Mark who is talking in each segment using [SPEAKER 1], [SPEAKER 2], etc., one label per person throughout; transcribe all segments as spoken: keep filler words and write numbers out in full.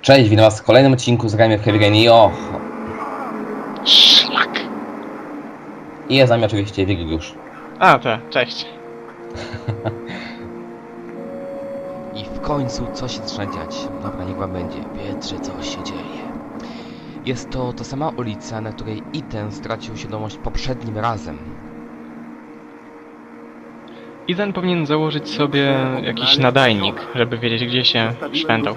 [SPEAKER 1] Cześć, witam was w kolejnym odcinku z Grajmy w Heavy Rain i och.
[SPEAKER 2] Szlak!
[SPEAKER 1] I jest z nami oczywiście Wigiliusz.
[SPEAKER 2] A, to, cześć.
[SPEAKER 3] I w końcu coś się zaczyna dziać. Dobra, niech wam będzie. Wiecie, co się dzieje. Jest to ta sama ulica, na której Ethan stracił świadomość poprzednim razem.
[SPEAKER 2] Ethan powinien założyć sobie jakiś nadajnik, żeby wiedzieć, gdzie się szwendał.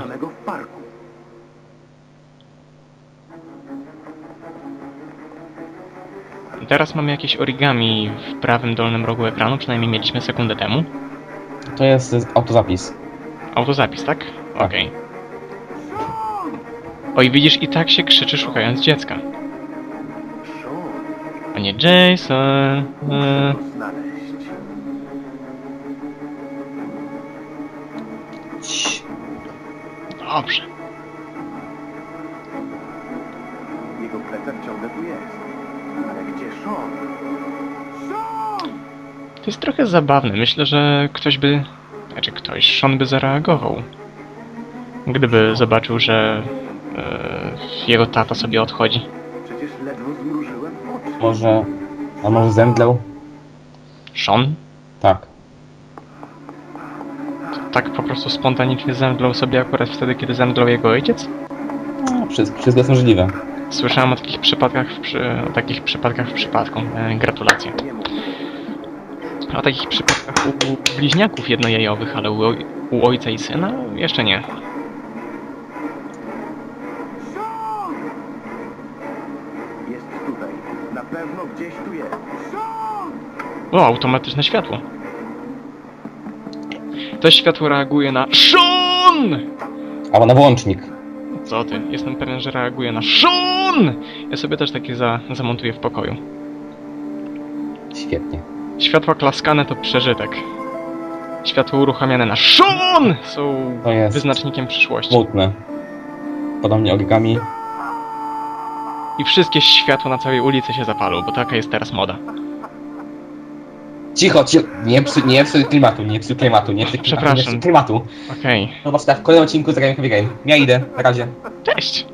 [SPEAKER 2] Teraz mamy jakieś origami w prawym dolnym rogu ekranu, przynajmniej mieliśmy sekundę temu.
[SPEAKER 1] To jest autozapis.
[SPEAKER 2] Autozapis, tak? Okej. Oj, widzisz, i tak się krzyczy, szukając dziecka. A nie Jason. Eee.
[SPEAKER 1] Cii.
[SPEAKER 2] Dobrze.
[SPEAKER 4] Jego plecak ciągle tu jest. Ale gdzie Sean? Sean!
[SPEAKER 2] To jest trochę zabawne. Myślę, że ktoś by... Znaczy ktoś, Sean by zareagował. Gdyby zobaczył, że e, jego tata sobie odchodzi.
[SPEAKER 4] Przecież ledwo zmrużyłem oczy.
[SPEAKER 1] Może... A może zemdlał?
[SPEAKER 2] Sean?
[SPEAKER 1] Tak.
[SPEAKER 2] Tak po prostu spontanicznie zemdlał sobie akurat wtedy, kiedy zemdlał jego ojciec?
[SPEAKER 1] No, wszystko, wszystko jest możliwe.
[SPEAKER 2] Słyszałem o takich przypadkach w, przy... o takich przypadkach w przypadku. E, gratulacje.
[SPEAKER 4] Nie mów.
[SPEAKER 2] O takich przypadkach u bliźniaków jednojajowych, ale u, oj... u ojca i syna? Jeszcze nie.
[SPEAKER 4] Sean! Jest tutaj. Na pewno gdzieś tu jest. Sean!
[SPEAKER 2] O, automatyczne światło. To światło reaguje na Sean!
[SPEAKER 1] Albo na włącznik.
[SPEAKER 2] Co ty? Jestem pewien, że reaguje na Sean! Ja sobie też takie za, zamontuję w pokoju.
[SPEAKER 1] Świetnie.
[SPEAKER 2] Światła klaskane to przeżytek. Światło uruchamiane na Sean są
[SPEAKER 1] To jest
[SPEAKER 2] wyznacznikiem przyszłości.
[SPEAKER 1] smutne. Podobnie origami.
[SPEAKER 2] I wszystkie światła na całej ulicy się zapalą, bo taka jest teraz moda.
[SPEAKER 1] Cicho, cicho. Nie psuj, nie psuj klimatu, nie psuj klimatu, nie psuj klimatu, nie
[SPEAKER 2] Przepraszam.
[SPEAKER 1] psuj klimatu.
[SPEAKER 2] Okej.
[SPEAKER 1] Zobacz, tak, w kolejnym odcinku z Grajmy w Heavy Rain. Ja idę, na razie.
[SPEAKER 2] Cześć!